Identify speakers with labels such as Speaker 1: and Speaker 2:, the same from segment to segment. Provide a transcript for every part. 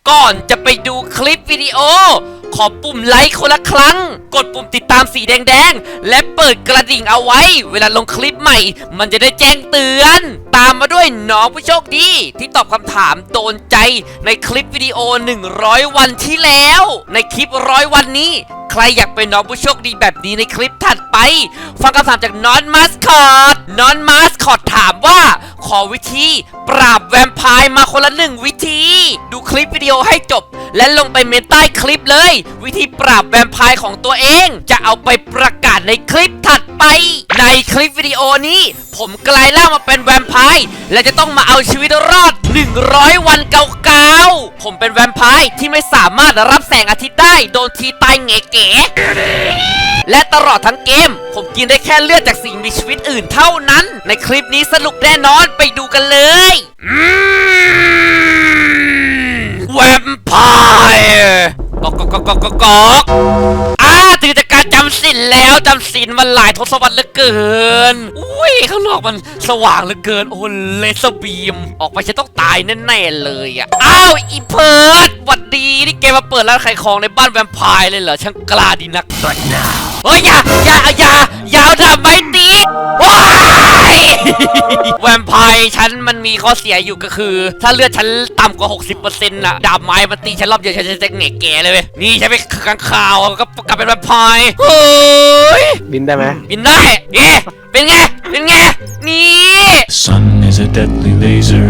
Speaker 1: ก่อนจะไปดูคลิปวิดีโอขอปุ่มไลค์คนละครั้งกดปุ่มติดตามสีแดงๆและเปิดกระดิ่งเอาไว้เวลาลงคลิปใหม่มันจะได้แจ้งเตือนตามมาด้วยน้องผู้โชคดีที่ตอบคำถามโดนใจในคลิปวิดีโอ100วันที่แล้วในคลิป100วันนี้ใครอยากเป็นน้องผู้โชคดีแบบนี้ในคลิปถัดไปฟังคำถามจากน้องมาสคอตถามว่าขอวิธีปราบแวมไพร์มาคนละ1วิธีดูคลิปวิดีโอให้จบและลงไปเมนใต้คลิปเลยวิธีปราบแวมไพร์ของตัวเองจะเอาไปประกาศในคลิปถัดไปในคลิปวิดีโอนี้ผมกลายร่างมาเป็นแวมไพร์และจะต้องมาเอาชีวิตรอด100วันเก่าๆผมเป็นแวมไพร์ที่ไม่สามารถรับแสงอาทิตย์ได้โดนทีตายเก๋ๆและตลอดทั้งเกมผมกินได้แค่เลือดจากสิ่งมีชีวิตอื่นเท่านั้นในคลิปนี้สนุกแน่นอนไปดูกันเลยแวมไพร์กถึงจากการจำศีลแล้วจำศีลมันหลายทศวรรษเหลือเกินอุ้ยข้างนอกมันสว่างเหลือเกินโอ้เลเซอร์บีมออกไปฉันต้องตายแน่ๆเลยอ่ะอ้าวอีเพิร์ดหวัดดีนี่แกมาเปิดร้านขายของในบ้านแวมไพร์เลยเหรอช่างกล้าดีนักเฮ้ยอย่าเอาดาบไม้ตีว้ายแวมไพร์ฉันมันมีข้อเสียอยู่ก็คือถ้าเลือดฉันต่ำกว่า 60% น่ะดาบไม้มันตีฉันรอบเดียวฉันจะแง่แก่เลยเว้ยนี่ฉันไปข้างข่าวก็กลับเป็นแวมไพร์เฮ้ย
Speaker 2: บินได้ไหม
Speaker 1: บินได้เอ๊ะเป็นไงนี่
Speaker 3: Sun is a deadly laser.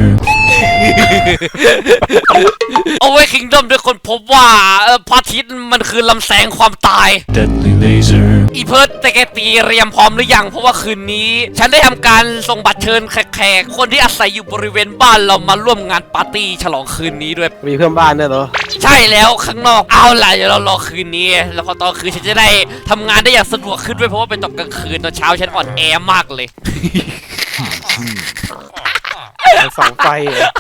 Speaker 1: เอาไว้คิงดอมด้วยคนพบว่าพระอาทิตย์มันคือลำแสงความตาย
Speaker 3: Deadly laser.
Speaker 1: อีเพิร์ดแต่แกเตรียมพร้อมหรือยังเพราะว่าคืนนี้ฉันได้ทำการส่งบัตรเชิญแขกคนที่อาศัยอยู่บริเวณบ้านเรามาร่วมงานปาร์ตี้ฉลองคืนนี้ด้วย
Speaker 2: มีเพื่อนบ้านด้วยเหรอ
Speaker 1: ใช่แล้วข้างนอกเอาล่ะเดี๋ยวเรารอคืนนี้แล้วพอตอนคืนฉันจะได้ทำงานได้อย่างสะดวกขึ้นด้วยเพราะว่าเป็นตอนกลางคืนตอนเช้าฉันอ่อนแอมากเลย
Speaker 2: สองไฟเหรอ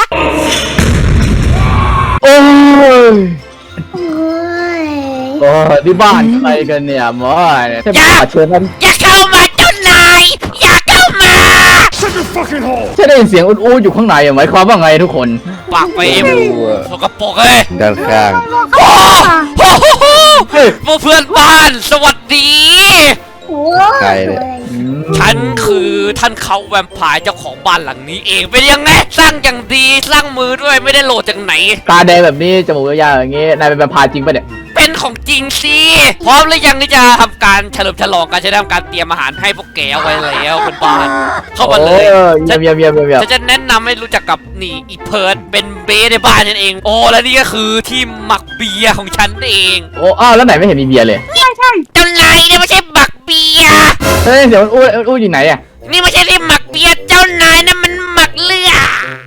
Speaker 2: โอ้ย
Speaker 4: โอ้ย
Speaker 5: โอ้ที่บ้านใครกันเนี่ยหมอเนี่ยถ้ามาเชิญท่าน
Speaker 1: อย่าเข้ามาเจ้านายอย่าเข้ามา
Speaker 5: ฉันได้ยินเสียงอู้ๆอยู่ข้างในหมายความว่าไงทุกคน
Speaker 1: ปากไปเอ็มสกปรกเลย
Speaker 5: ด้านข้าง
Speaker 1: โอ้โหเพื่อนบ้านสวัสดี
Speaker 4: โอ้ย
Speaker 5: ใครเนี่ย
Speaker 1: ฉันคือท่านเขาแวมไพร์เจ้าของบ้านหลังนี้เองเป็นยังไงสร้างอย่างดีสร้างมือด้วยไม่ได้โหลดจากไหน
Speaker 5: ตาแดงแบบนี้จมูกยาวๆอย่างงี้นายเป็นแวมไพร์จริงปะเนี่ย
Speaker 1: เป็นของจริงสิพร้อมหรือยังที่จะทำการเฉลิมฉลองการจะทำการเตรียมอาหารให้พวกแกเอาไว้แล้วคนบ้านเข้ามาเลย
Speaker 5: เยี่ยม
Speaker 1: ฉันจะแนะนำให้รู้จักกับนี่อีเพิร์ดเป็นเบสในบ้านนั่นเองโอ้และนี่ก็คือที่หมักเบียร์ของฉันเอง
Speaker 5: โอ้อ้าวแล้วไหนไม่เห็นมีเบียร์เลย
Speaker 1: เจ้านายเนี่ยไม่ใช่หมักเบียร์
Speaker 5: เฮ้ยเสียงอู้อยู่ไหนอ่ะ
Speaker 1: นี่ไม่ใช่ที่หมักเบียร์เจ้านายนั่นมันหมักเลือด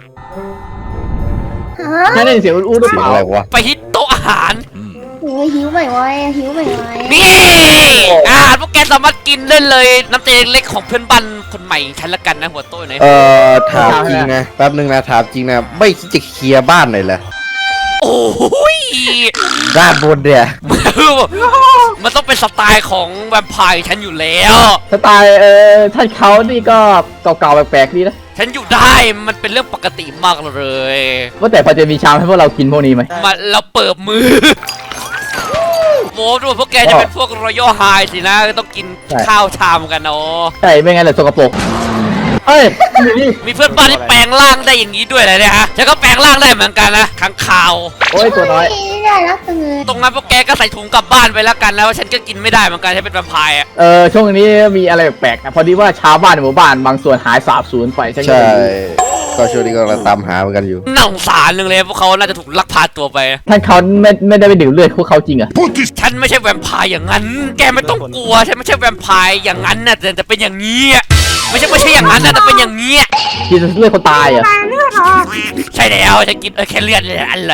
Speaker 4: ฮะ
Speaker 5: ฉันได้ยินเสียงอู้หรือเปล่าอะไรวะ
Speaker 1: ไปที่โต๊ะอาหาร
Speaker 4: โอ้ยหิวใหม่ไว้หิวใหม่ไว้
Speaker 1: นี่อาหารพวกแกสามารถกินได้เลยน้ำใจเล็กๆของเพื่อนบ้านคนใหม่ฉันละกันนะหัวโต๊ะไหน
Speaker 6: ถามจริงนะแป๊บนึงนะถามจริงนะไม่คิดจะเคลียร์บ้านหน่อยเหรอ
Speaker 1: โอ้ย
Speaker 6: ด้านบนเนี่ย
Speaker 1: มันต้องเป็นสไตล์ของแวมไพร์ฉันอยู่แล้ว
Speaker 5: สไตล์ท่านเขานี่ก็เก่าๆแปลกๆดีนะ
Speaker 1: ฉันอยู่ได้มันเป็นเรื่องปกติมากเลย
Speaker 5: ว่าแต่พอจะมีชามให้พวกเรากินพวกนี้ไหม
Speaker 1: มาเราเปิดมือโม้ดูพวกแกจะเป็นพวกรอยัลไฮสินะต้องกินข้าวชามกันเนาะ
Speaker 5: ใช่ไม่งั้นเลยสกปรกเฮ้ยนี่
Speaker 1: มีเพื่อนบ้านที่แปลงร่างได้อย่างนี้ด้วยเลยเนี่ยฮะฉันก็แปลงร่างได้เหมือนกันนะข้างข่าว
Speaker 5: โอ้ยตัวน้อย
Speaker 4: น่ารักจังเลย
Speaker 1: ตรงนั้นพวกแกก็ใส่ถุงกลับบ้านไปแล้วกันแล้วฉันก็กินไม่ได้เหมือนกันฉันเป็นแวมไพร์อะ
Speaker 5: ช่วงนี้มีอะไรแปลกๆนะพอดีว่าชาวบ้านในหมู่บ้านบางส่วนหายสาบสูญไปฉันก็
Speaker 6: ใช่
Speaker 5: เลย
Speaker 6: ก็ช่วงนี้ก็กำลังตามหาเหมือนกันอยู่
Speaker 1: น่าสงสารหนึ่งเลยพวกเขาน่าจะถูกลักพาตัวไป
Speaker 5: ท่านเขาไม่ได้ไปดื่มเลือดพวกเขาจริงเหรอะ
Speaker 1: ฉันไม่ใช่แวมไพร์อย่างนั้น แกไม่ต้องกลัวฉันไม่ใช่แวมไพร์อย่างนั้นนะแต่จะเป็นอย่างนี้อะไม่ใช่อย่างนั้นนะแต่เป็นอย่างนี้
Speaker 5: กินเลือดคนตายเหรอ
Speaker 1: ใช่แล้วฉันกินแค่เลือดเลยอะไร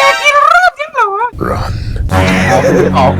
Speaker 5: ออก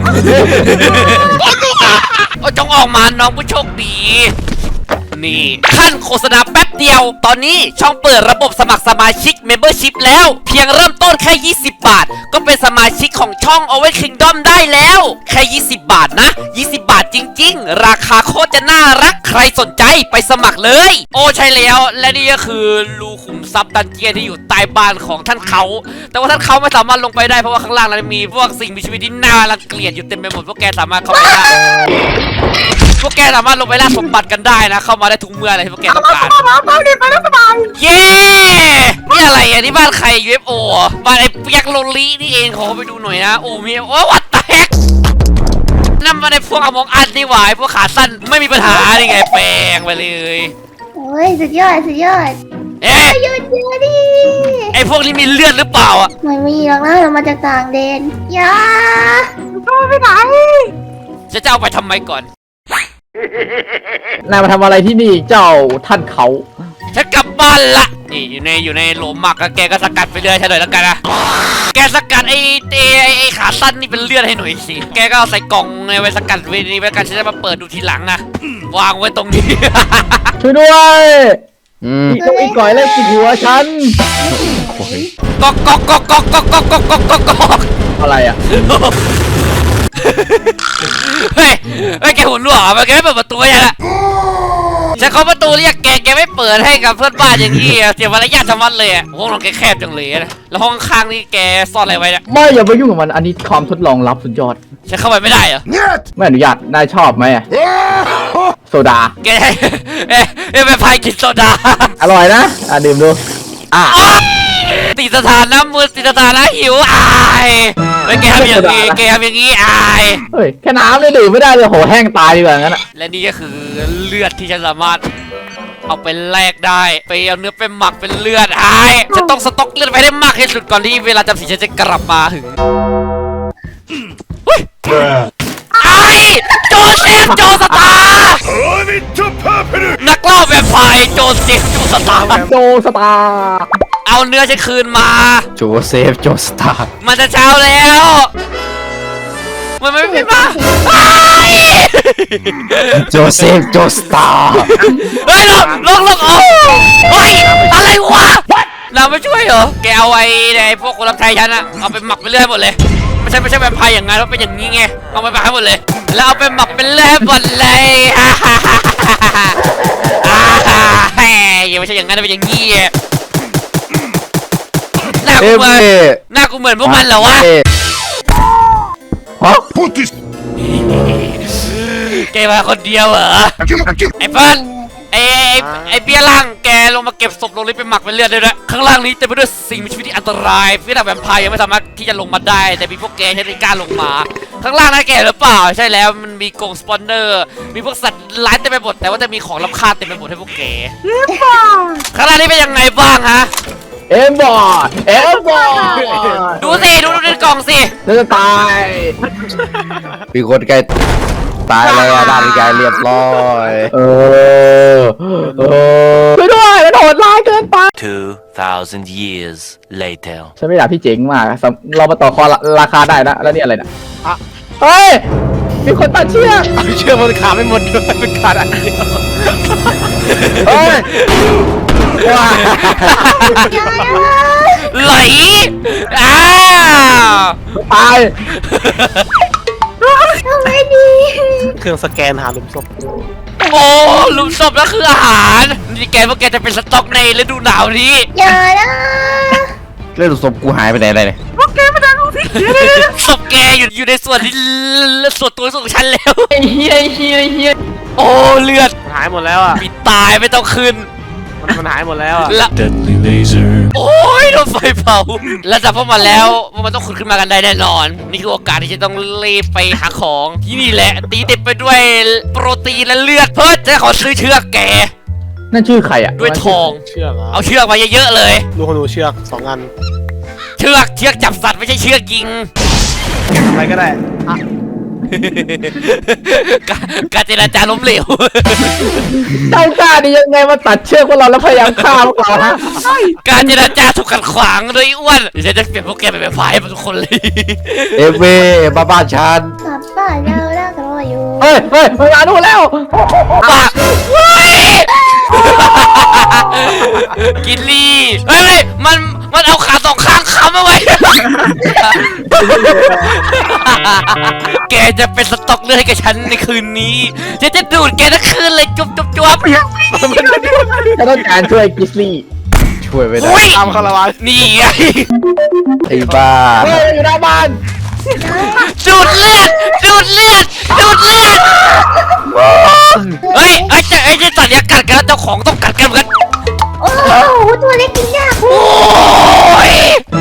Speaker 1: โอ้จงออกมาน้องผู้โชคดีนี่ขั้นโฆษณาแป๊บเดียวตอนนี้ช่องเปิดระบบสมัครสมาชิก Membership แล้วเพียงเริ่มต้นแค่20 บาทก็เป็นสสมาชิกของช่อง Owen Kingdom ได้แล้วแค่20 บาทนะ20 บาทจริงๆราคาโคตรจะน่ารักใครสนใจไปสมัครเลยโอ้ใช่แล้วและนี่ก็คือรูขุมทรัพย์ดันเจียนที่อยู่ใต้บ้านของท่านเขาแต่ว่าท่านเขาไม่สามารถลงไปได้เพราะว่าข้างล่างนั้นมีพวกสิ่งมีชีวิตที่น่ารังเกียจอยู่เต็มไปหมดพวกแกสามารถเข้าไปได้พวกแกสามารถลงไปล่าสมบัติกันได้นะเข้ามาได้ทุกเมื่ออะไรที่พวกแกต้องการเย้นี่อะไรอ่ะนี่บ้านใคร UFO บ้านไอ้เปียกโลลีนี่เองขอไปดูหน่อยนะโอ้มีโอ้วัดแตกนั่นมาในพวกอมองอันนี่หว่าพวกขาสั้นไม่มีปัญหานี่ไงแปลงไปเลย
Speaker 4: โอ้ยสุดยอดสุดยอด
Speaker 1: เอ๊ะ
Speaker 4: หยุดเดี๋ยวดิ
Speaker 1: ไอ้พวกนี้มีเลือดหรือเปล่าอ่ะ
Speaker 4: ไม่มีหรอกนะเรามาจากต่างแดนอย่าไปไหน
Speaker 1: จะเอาไปทำไมก่อน
Speaker 5: นายมาทำอะไรที่นี่เจ้าท่านเขา
Speaker 1: ฉันกลับบ้านละนี่อยู่ในโหลหมักแล้วแกก็สกัดไปเรื่อยใช่เลยแล้วกันนะแกสกัดไอ้ขาสั้นนี่เป็นเลือดให้หน่อยสิแกก็เอาใส่กล่องไว้สกัดไว้นี่ไว้กันฉันจะมาเปิดดูทีหลังนะวางไว้ตรงนี้
Speaker 5: ช่วยด้วย
Speaker 6: อืม
Speaker 5: อีกต้องอีกก่อยเลยกินหัวฉัน
Speaker 1: ก๊อกก๊อกก๊อกก๊อกก๊อกก๊อกก๊อกก๊อกก๊อกก๊อก
Speaker 5: อะไรอ่ะ
Speaker 1: เฮ้ยแกหุ่นรั่วมาแกไม่เปิดประตูยังละฉันเคาะประตูเรียกแกไม่เปิดให้กับเพื่อนบ้านอย่างนี้เสียมารยาทชะมัดเลยอ่ะห้องนอนแกแคบจังเลยนะแล้วห้องข้างนี่แกซ่อนอะไรไว้เนี่ย
Speaker 5: ไม่อย่าไปยุ่งกับมันอันนี้ความทดลองลับสุดยอด
Speaker 1: ฉันเข้าไปไม่ได้เหรอ
Speaker 5: ไม่อนุญาตนายชอบไหมอะโซดา
Speaker 1: แกไปพายกินโซดา
Speaker 5: อร่อยนะดื่มดู
Speaker 1: ติดสถานะมือติดสถานะหิวอายแล้วแกทำอย่างนี้อาย
Speaker 5: เฮ้ยแค่น้ำเลยดื่มไม่ได้เลยโหแห้งตายดีกว่างั้นอะ
Speaker 1: และนี่ก็คือเลือดที่ฉันสามารถเอาไปแลกได้ไปเอาเนื้อไปหมักเป็นเลือดอายจะต้องสต็อกเลือดไปได้มากที่สุดก่อนที่เวลาจำศีลฉันจะกลับมาถึงเฮ้ยไอ้โจเซฟโจสตาร์นักล่าแบบฝ่ายโจเซฟโจสตาร์
Speaker 5: โจสตาร์
Speaker 1: เอาเนื้อฉันคืนมา
Speaker 6: โจเซฟโจสตาร์
Speaker 1: มันจะเช้าแล้ว มันไม่มา
Speaker 6: โจเซฟโจสตาร์
Speaker 1: เฮ้ยลงโอ้เฮ้ยอะไรวะเราไม่ช่วยเหรอ แกเอาไอ้พวกคนรับใช้ฉันอะเอาไปหมักไปเรื่อยหมดเลย ไม่ใช่แวมไพร์อย่างงั้นแล้วเป็นอย่างนี้ไง เอาไปหมักให้หมดเลย แล้วเอาไปหมักเป็นเรื่อยหมดเลยยังไม่ใช่อย่างนั้นเป็นอย่างนี้หน้ากูเหมือนพวกมันเหรอวะ
Speaker 5: ฮะ
Speaker 1: แกมาคนเดียวเหรอ ไอ้เปิ้ลไอ้เบี้ยล่างแกลงมาเก็บศพลงนี้ไปหมักเป็นเลือดด้วยข้างล่างนี้เต็มไปด้วยสิ่งมีชีวิตที่อันตรายพี่ดาบแวมไพร์ยังไม่สามารถที่จะลงมาได้แต่มีพวกแกใช้ในการลงมาข้างล่างนั้นแกหรือเปล่าใช่แล้วมันมีกรงสปอนเนอร์มีพวกสัตว์ร้ายเต็มไปหมดแต่ว่าจะมีของล้ำค่าเต็มไปหมดให้พวกแกข้างล่างนี้เป็นยังไงบ้างฮะ
Speaker 5: เอ็มบอร์
Speaker 1: ดูสิดูในกล่องสิ
Speaker 5: จะตาย
Speaker 6: มีคนใกล้ตายเลยอะด้านใกล้เรียบร้อย
Speaker 5: ช่วยด้วยมันโหดร้ายเกินไป
Speaker 7: 2,000 years later.
Speaker 5: ฉันไม่อยากพี่เจ๋งมากเรามาต่อคอราคาได้นะแล้วนี่อะไรนะเฮ้ยมีคนตัดเชือก
Speaker 2: เชื่อมันขาดไม่หมดด้วยเป็นขาดอันเดียว
Speaker 5: เฮ้ยว้า
Speaker 1: ไหลอ้าว
Speaker 5: ตาย
Speaker 4: ทำไมดี
Speaker 2: เครื่องสแกนหาหลุมศพ
Speaker 1: โอ้หลุมศพแล้วคืออาหารนี่แกพวกแกจะเป็นสต็อกในฤดูหนาวนี้
Speaker 4: อย่านะ
Speaker 6: เรื่องศพกูหายไปไหนเลย
Speaker 1: ศพแกอยู่ในส่วนที่ส่วนตัวของฉันแล้ว
Speaker 5: ไอ้เฮีย
Speaker 1: โอ้เลือด
Speaker 2: มันหายหมดแล้วอ่ะ
Speaker 1: มีตายไม่ต้องขึ้น
Speaker 2: มันหายหมดแล้วอ่ะ
Speaker 1: ละ
Speaker 3: Deadly laser.
Speaker 1: โอ้ยโดนไฟเผาแล้วจับพวกมันแล้วมันต้องขุดขึ้นมากันได้แน่นอน นี่คือโอกาสที่จะต้องรีบไปหาของที่นี่แหละ ตีเต็มไปด้วยโปรตีนและเลือดเพื่อจะขอซื้อเชือกแก
Speaker 5: นั่นชื่อใครอ่ะ
Speaker 1: ด้วยทอง
Speaker 2: เชือกเหรอ
Speaker 1: เอาเชือกมาเยอะๆเลย
Speaker 2: ลูกขนูเชือก2 อัน
Speaker 1: เชือกจับสัตว์ไม่ใช่เชือกยิง
Speaker 2: แกทำอะไรก็ได้อ่ะ
Speaker 1: การเจรจาล้มเหลว
Speaker 5: เจ้ากล้าดียังไงมาตัดเชือกพวกเราแล้วพยายามฆ่าพวกเราฮะ
Speaker 1: การเจรจาถูกขัดขวางโดยอ้วนเดี๋ยวฉันจะเปลี่ยนพวกแกเป็นแบบพายทุกคนเลย
Speaker 6: เอฟเวมาบ้านฉัน
Speaker 4: กลับบ้านเราแล้วรออยู่
Speaker 5: เฮ้ยมันมาดูแล้ว
Speaker 1: ปากเฮ้ยกินลี่เฮ้ยมันเอาขาสองข้างค้ำเอาไว้ แกจะเป็นสต็อกเลือดให้กับฉันในคืนนี้ฉันจะดูดแกทั้งคืนเลยจุ๊บจุ๊บจุ๊บ
Speaker 5: ฉันต้องการช่วยกิสลี่
Speaker 6: ช่วยไม่ได้
Speaker 1: อุ้ย
Speaker 2: ตามคาราวาน
Speaker 1: นี่ไง
Speaker 6: ไอ้บ้า
Speaker 5: เฮ้ยอยู่หน้าบ้าน
Speaker 1: ดูดเลือดดูดเลือดดูดเลือดเฮ้ยไอ้เจ้าสัตว์เนี่ยกัดกันแล้วเจ้าของต้องกัดกันเหมือนกัน
Speaker 4: โอ้โหตัวเล็กกินยาก
Speaker 1: โอ้ย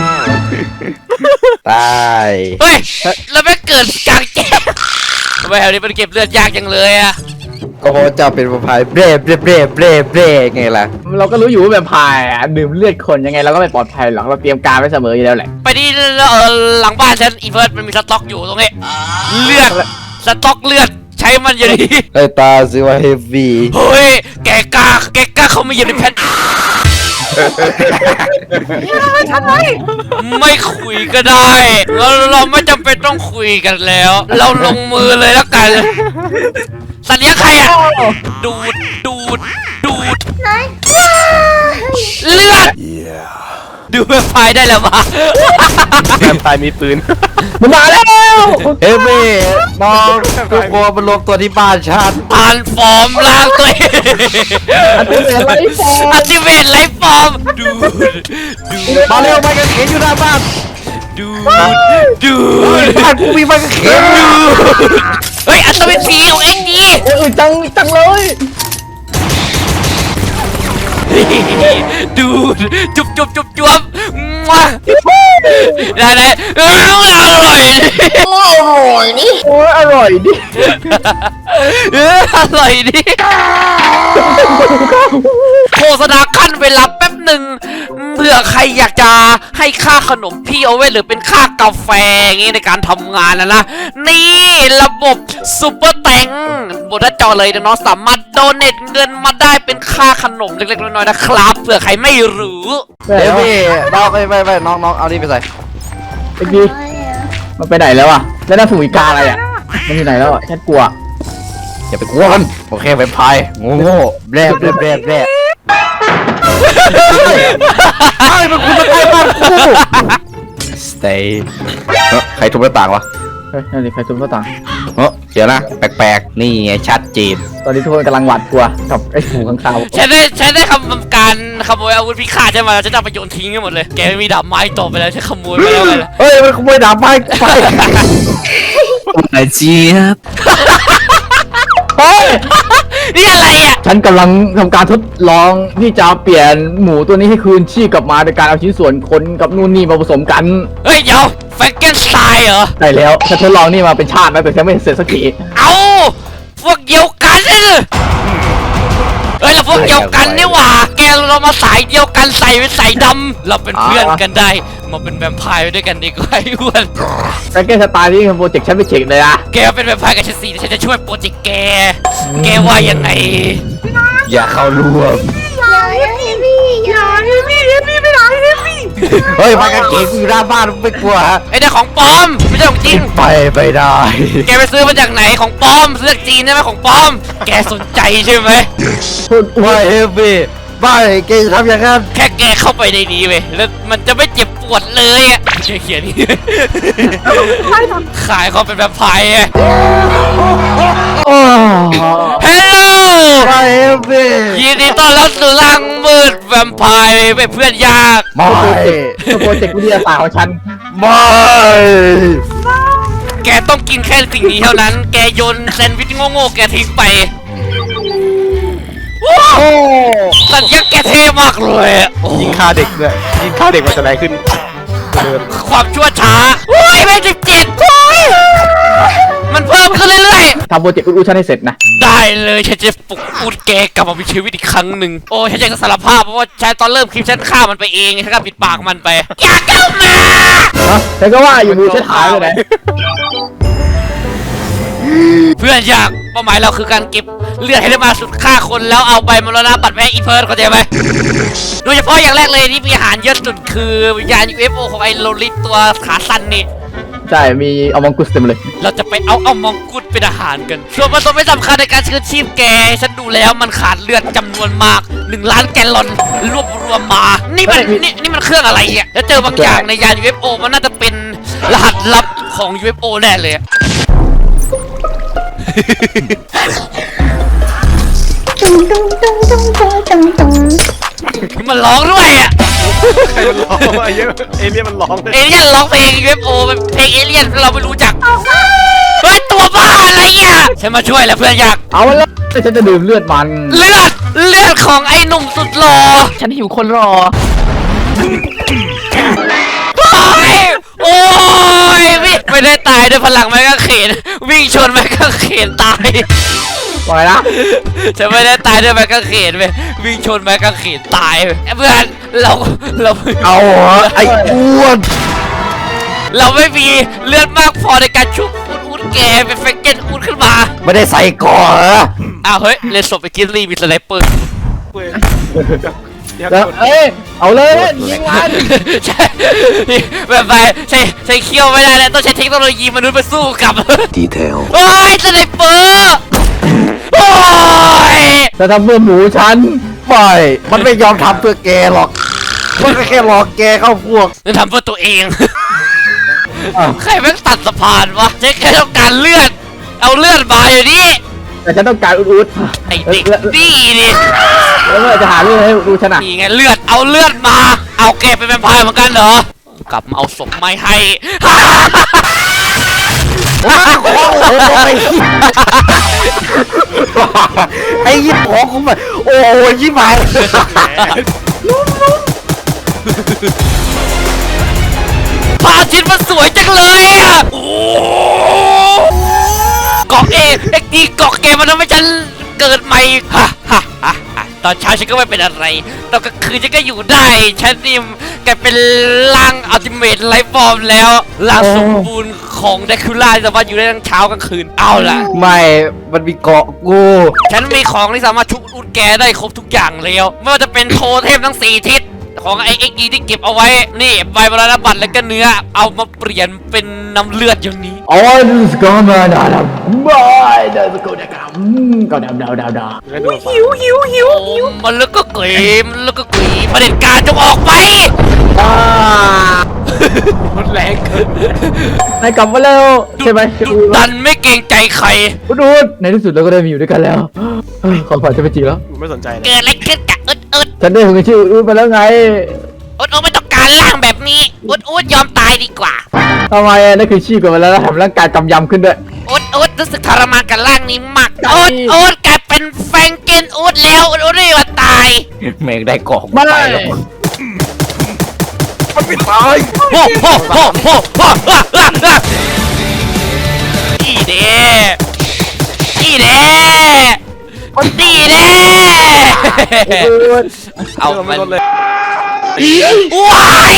Speaker 6: ตาย
Speaker 1: เฮ้ยแล้วไม่เกิดกลางแจ้งทำไมแถวนี้มันเก็บเลือดยากจังเลยอะ
Speaker 6: ก็เพราะเจ้าเป็นประพายเบรไงล่ะ
Speaker 5: เราก็รู้อยู่ว่าแบบพายอะดื่มเลือดคนยังไงเราก็ไม่ปลอดภัยหรอกเราเตรียมการไว้เสมออยู่แล้วแหละ
Speaker 1: ไปที่หลังบ้านฉันอีเฟิร์สมันมีสต็อกอยู่ตรงนี้เลือดสต็อกเลือดใช้มันอยู่ดี
Speaker 6: ไอ้ตาซิว่าเฮฟวี่
Speaker 1: เฮ้ยแกกล้าเขาไม่เหยียบในแผ่นไม่คุยก็ได้เราไม่จำเป็นต้องคุยกันแล้ว เราลงมือเลยแล้วกันสัตว์เลี้ยงใครอ่ะดูด
Speaker 4: ไหนว้าย
Speaker 1: เลือดดูแวมไพร์ได้แล้วมา
Speaker 2: แวมไพร์มีปืน
Speaker 5: มันมาแล้ว
Speaker 6: เฮฟวี่น้องทุกคนมารวมตัวที่บ้านฉัน
Speaker 1: อ่านฟอร์มล่างตัวเอง
Speaker 5: อันที่เหลือไรฟอร์ม
Speaker 1: อัติเวทไลฟ์ฟอร์มดูด
Speaker 6: มาเร็วไปกันเขนอยู่หน้าบ้าน
Speaker 1: ดูด
Speaker 6: บ้านกูมีไปกันเขน
Speaker 1: เฮ้ยอัตเวทผีของเอ็งดี
Speaker 5: โอ้ยจังเลย
Speaker 1: ดูดจุบมาได้อร่อย
Speaker 5: โอ้ยอร่อยดิ
Speaker 1: อร่อยดิโฆษณาขั้นเวลาแป๊บหนึ่งเผื่อใครอยากจะให้ค่าขนมพี่เอาไว้หรือเป็นค่ากาแฟอย่างงี้ในการทำงานนะนี่ระบบซุปเปอร์แตงบนหน้าจอเลยน้องๆสามารถโดเนทเงินมาได้เป็นค่าขนมเล็กๆน้อยๆนะครับเผื่อใครไม่รู้
Speaker 6: เฮฟวี่น้องไปน้องเอานี่ไปใส่
Speaker 5: ไอ้กี้มันไปไหนแล้วอ่ะแล้วนั่นฝูงอีกาอะไรอ่ะมันอยู่ไหนแล้วอ่ะฉันกลัว
Speaker 6: อย่าไปกลัวมันโอเคเป็นพายโง่แบรไอ้เป็นคุณมาใกล้บ้านกู stay ใครทุบหน้าต่างวะ
Speaker 5: เฮ้ยนั่นดิใครตุ้มก็ต่าง
Speaker 6: เดี๋ยวนะแปลกๆนี่ไงชัดเจน
Speaker 5: ตอนนี้ทุกคนกำลังหวาดกลัวกับไอ้ฝูงข้างคาว
Speaker 1: ฉันได้ทำการขโมยอาวุธพิฆาตใช่ไหมฉันจะเอาไปโยนทิ้งให้หมดเลยแกไม่มีดาบไม้ต่อไปแล้วฉันขโมยไปแล้วไงล่ะ
Speaker 6: เฮ้ยมันขโมยดาบไม้ไป
Speaker 7: ไอ้เจี๊ยบ
Speaker 5: เฮ้ย
Speaker 1: นี่อะไรอ่ะ
Speaker 5: ฉันกำลังทำการทดลองที่จะเปลี่ยนหมูตัวนี้ให้คืนชีพกลับมาโดยการเอาชิ้นส่วนคนกับนู่นนี่มาผสมกัน
Speaker 1: เฮ้ยเดี๋ยวแฟรงเกนสไตน์เหรอ
Speaker 5: ได้แล้วฉันทดลองนี่มาเป็นชาติแล้วแต่ฉันไม่เสร็จสักที
Speaker 1: เอาพวกเดียวกันเฮ้ยเราพวกเดียวกันนี่หว่าแกเรามาสายเดียวกันใส่เป็นสายดำเราเป็นเพื่อนกันได้มาเป็นแวมไพร์ไปด้วยกันดีกว่าไอ้อ้วน
Speaker 5: แฟรงเกนสไตล์นี่คือโปรเจกต์ฉันไปเช็คเลยนะ
Speaker 1: แกเป็นแวมไพร์กับฉันสิฉันจะช่วยโปรเจกต์แกว่ายังไง
Speaker 6: อย่าเข้าร่วม
Speaker 4: อย่าเฮฟวี่อย่าเฮฟวี่ไม่หลังเฮฟวี่
Speaker 6: เฮ้ยมากันเขนกูอยู่หน้าบ้านไม่กลัวฮะ
Speaker 1: ไอ้เนี่ยของปลอมไม่ใช่ของจริง
Speaker 6: ไปไม่ได้
Speaker 1: แกไปซื้อมาจากไหนของปลอมซื้อจากจีนใช่ไหมของปลอม แกสนใจใช่ไหม
Speaker 5: พูด
Speaker 6: ไม่เฮฟวี่ไม่แกจะทำอย่างนั้น
Speaker 1: แค่แกเข้าไปในนี้เว้ยแล้วมันจะไม่เจ็บปวดเลยอ่ะเขียนนี่ ขายเขาเป็นแบบไพ่อะ
Speaker 5: โอ้
Speaker 1: ฮัลโหล
Speaker 6: ไม่เฮฟวี่
Speaker 1: ยินดีต้อนรับสู่ร่างมืดแวมไพร์เป็นเพื่อนยาก
Speaker 6: ไม่
Speaker 5: โปรเจกต์วิทยาศาสตร์ของฉัน
Speaker 6: ไม่
Speaker 1: แกต้องกินแค่สิ่งนี้เท่านั้น แกโยนแซนด์วิชโง่ๆแกทิ้งไปว้าว
Speaker 6: โอ้
Speaker 1: สัญญาแกเท่มากเลยอะโอ้โห
Speaker 2: ยิงฆ่าเด็กด้วยยิงฆ่าเด็กมันจะไหนขึ้นเดิน
Speaker 1: ความชั่วช้าโอ้ยไม่17โอ้ยมันเพิ่มขึ้นเรื่อยๆ
Speaker 5: ทำโปรเจกต์อุดฉันให้เสร็จนะ
Speaker 1: ได้เลยฉันจะปลุกพูดแกกลับมามีชีวิตอีกครั้งหนึ่งโอ้ฉันจะสารภาพเพราะว่าฉันตอนเริ่มคลิปฉันฆ่ามันไปเองฉันก็ปิดปากมันไปอย่าเข้ามา
Speaker 5: ฮะฉันก็ว่าอยู่มือฉันหายไปไหน
Speaker 1: เพื่อนอยากเป้าหมายเราคือการเก็บเลือดให้ได้มาสุดฆ่าคนแล้วเอาไปมรณะบัตรแม่อีเพิร์ดเข้าใจไหมโดยเฉพาะอย่างแรกเลยที่มีอาหารเยอะสุดคือวิญญาณ UFO ของไอ้โลลิตตัวขาสั้นนี่
Speaker 5: ใช่มีเอามังกุสเต็มเลย
Speaker 1: เราจะไปเอามองกุฎเป็นอาหารกันส่วนผสมไม่สำคัญในการชื้นชีพแกฉันดูแล้วมันขาดเลือดจำนวนมาก 1 ล้านแกลลอนรวบรวมมา นี่มันเครื่องอะไรเนี่ยแล้วเจอบางอย่างในยาน UFO มันน่าจะเป็นรหัสลับของ UFO แน่เลยอะ
Speaker 4: ตุ้งตุ้งตุ้งตุ้งตุ้งตุ้งตุ้ง
Speaker 1: มันร้องด้วยอ่ะ
Speaker 2: ใครมันร้องวะเยอะเอเลี่ยนมันร้องเลย
Speaker 1: เอเลี่ยนร้องเพลง UFO เป็นเพลงเอเลี่ยนเราไม่รู้จักเฮ้ยตัวบ้าอะไรอ่ะฉันมาช่วยแล้วเพื่อนอยาก
Speaker 5: เอาแล้วฉันจะดื่มเลือดมัน
Speaker 1: เลือดของไอ้หนุ่มสุดหล่อ
Speaker 5: ฉันหิวคนรอ
Speaker 1: โอ้ยไม่ได้ตายด้วยพลังไม้กางเขนวิ่งชนไม้กางเขนตาย
Speaker 5: ปล่อยนะ
Speaker 1: ฉันไม่ได้ตายด้วยไม้กางเขนเว้ยวิ่งชนไม้กางเขนตายเว้ยเพื่อนเรา
Speaker 6: เอาเหรอไอ้อ้วน
Speaker 1: เราไม่มีเลือดมากพอในการชุบอุดแกเป็นแฟรงเกนอุดขึ้นมา
Speaker 6: ไม่ได้ใส่ก่อนเหรอ
Speaker 1: อ้าวเฮ้ยเลนศพไปกินรีมีสไนเปอร์
Speaker 2: เว้ยอยาก
Speaker 5: แล้ว
Speaker 2: กด
Speaker 5: เอ้ยเอาเลยยิงมัน
Speaker 1: ใช่แบบไปใช้เคี้ยวไม่ได้แล้วต้องใช้เทคโนโลยีมนุษย์ไปสู้กับ
Speaker 6: ดีเทล
Speaker 1: โอ้ยสไนเปอร์โอ้ย
Speaker 5: จะทำเพื่อหมูฉัน
Speaker 6: ไม่มันไม่ยอมทำเพื่อแกหรอกมันก็แค่หลอกแกเข้าพวก
Speaker 1: จะทำเพื่อตัวเอง
Speaker 5: อ้าว
Speaker 1: ใครแม่งตัดสะพานวะใช้แค่ต้องการเลือดเอาเลือดมาอยู่นี่
Speaker 5: แต่ฉันต้องการอุด
Speaker 1: ไอ้เด็กนี่นี่
Speaker 5: แล้วเมื่อจะหาเรื่องให้ดูฉันอ่ะ
Speaker 1: นี่ไงเลือดเอาเลือดมา เอาแกเป็นแวมไพร์เหมือนกันเหรอกลับมาเอาศพไม่ให้
Speaker 6: ไอ้ยิบของกูมาโอ้ยยิบหาย
Speaker 1: พาชินมันสวยจังเลยอ่ะโอ้เกาะเอ็กดีเกาะแกมันทำให้ฉันเกิดใหม่ฮ่าฮ่าฮ่าฮ่าตอนเช้าฉันก็ไม่เป็นอะไรตอนกลางคืนฉันก็อยู่ได้ฉันนี่แกเป็นร่างอัลติเมทไลฟ์ฟอร์มแล้วร่างสมบูรณ์ของเดคูล่าที่สามารถอยู่ได้ทั้งเช้ากลางคืนเอาล่ะ
Speaker 6: ไม่มันมีเกาะกู
Speaker 1: ฉันมีของที่สามารถชุบอุดแกได้ครบทุกอย่างแล้วไม่ว่าจะเป็นโทเทมทั้ง4ทิศของไอเอ็กซ์ที่เก็บเอาไว้นี่ใบมรณบัตรแล้วก็เนื้อเอามาเปลี่ยนเป็นน้ำเลือดอย่างนี้
Speaker 5: อ๋อดูสกอร์มาดาดำบายเดินสกอร์ดาก็ดำดาว
Speaker 2: แล้วดู
Speaker 1: โอ้มันแล้วก็เกยมันแล้วก็เกยประเด็จการจงออกไป
Speaker 2: มันแรงเกิน
Speaker 5: นายกลับมาแล้วใช่ไหม
Speaker 1: ดุดันไม่เกรงใจใคร
Speaker 5: อุดในที่สุดเราก็ได้มาอยู่ด้วยกันแล้วขอผ่านจะไปจริงแล้ว
Speaker 2: กูไม่สนใจเลย
Speaker 1: เกิดอะไรขึ้นกับอุด
Speaker 5: ฉันได้ถึงชื่ออุดมาแล้วไง
Speaker 1: ไม่ต้องการร่างแบบนี้อุดยอมตายดีกว่า
Speaker 5: ทำไมนั่นคือชีพกันมาแล้วทำร่างกายกำยำขึ้นด้วย
Speaker 1: อุดรู้สึกทรมานกับร่างนี้มากอุดกลายเป็นแฟรงเกนอุดแล้วอุดไม่ว่าตาย
Speaker 6: แม่งได้เกาะ
Speaker 5: ไม่
Speaker 6: ไปแล้วมันไม่ตาย
Speaker 1: โอ้โหนี่เด้นี่เด้นี่เด้เอามัน
Speaker 2: ลดเลย
Speaker 1: ว้าย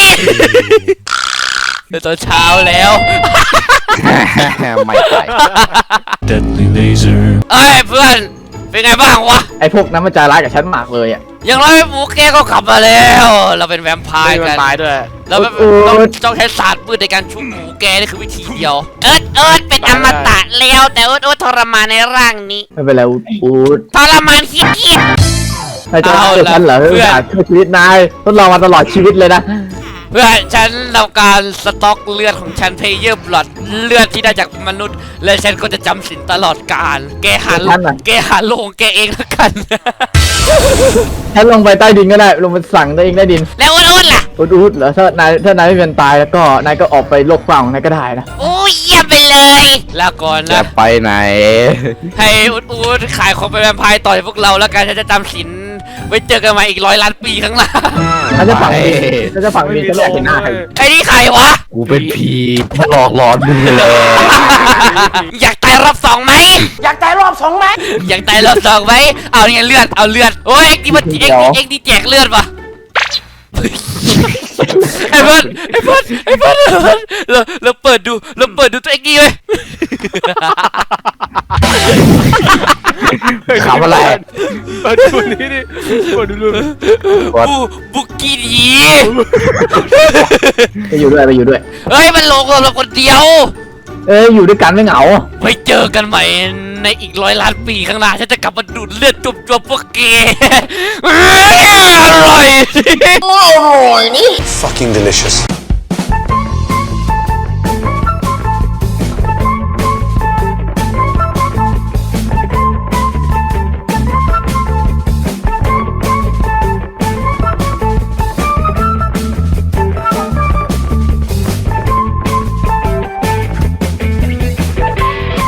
Speaker 1: ตอนเช้าแล้ว
Speaker 6: ไม่ตาย
Speaker 3: Deadly laser.
Speaker 1: เอ้ยเพื่อนเป็นไงบ้างวะ
Speaker 5: ไอพวกนั้นมันใจร้ายกับฉันมากเลยอ่ะ
Speaker 1: อย่างไรหมูแกก็กลับมาแล้ว เราเป็นแวมไพร์
Speaker 2: มัน
Speaker 1: กัน
Speaker 2: ตายด้วย
Speaker 1: เราแบบต้องใช้ศาสตร์มืดในการชุบหมูแกนี่คือวิธีเดียวเอิร์ดเป็นอมตะแล้วแต่เอิร์ดทรมานในร่างนี้
Speaker 5: ไม่เป็นไรอุด
Speaker 1: ทรมานเฮี้ย
Speaker 5: นายจะเชื่อฉันเหรอ
Speaker 1: เอาล่ะ
Speaker 5: เพื่อช่วยชีวิตนายทดลองมาตลอดชีวิตเลยนะ
Speaker 1: เพื่อฉันทำการสต็อกเลือดของฉันเพเยอร์บลัดเลือดที่ได้จากมนุษย์ และฉันก็จะจำสินตลอดกาลแกหาโลงแกเองแล้วกัน
Speaker 5: ฉันลงไปใต้ดินก็ได้ลงไปสั่งตัวเองใต้ดิน
Speaker 1: แล้วอุดล่ะ
Speaker 5: อุดเหรอถ้านายไม่เป็นตายแล้วก็นายก็ออกไปโลกกว้างของนายก็ได้นะ
Speaker 1: โอ้ยเยี่ยมไปเลย แล้วก่อน
Speaker 6: จะ
Speaker 1: นะ
Speaker 6: ไปไหน
Speaker 1: ให้อุดขายของเป็นแวมไพร์ต่อจากพวกเราแล้วกันฉันจะจำสินไว้เจอกันมาอีก100 ล้านปีข้างหน้า
Speaker 5: ฉันจะฝังดินฉันจะฝังดินฉันไม่อยากเห็นหน้าใคร
Speaker 1: ไอ้นี่ใครวะ
Speaker 6: กูเป็นผีมาหลอกหลอนมึงเลย
Speaker 1: อยากตายรอบ2ไหมอยากตายรอบ2ไหมอยากตายรอบ2ไหมเอาเนี่ยเลือดเอาเลือดโอ้ยเอ็กดีมันเอ็กดีแจกเลือดปะไอ้เพื่อนเราเปิดดูตัวเอ็กดีเลย
Speaker 6: ขำอะไร
Speaker 2: เปิดดูนี่ดิเปิดดูรูป
Speaker 1: บุกกี้ดี
Speaker 5: ไปอยู่ด้วย
Speaker 1: เฮ้ยมันลงเราคนเดียว
Speaker 5: อยู่ด้วยกันไม่เหงา
Speaker 1: ไว้เจอกันใหม่ในอีก100 ล้านปีข้างหน้าฉันจะกลับมาดูดเลือดจวบๆพวกแกอร่อย
Speaker 8: Fucking delicious.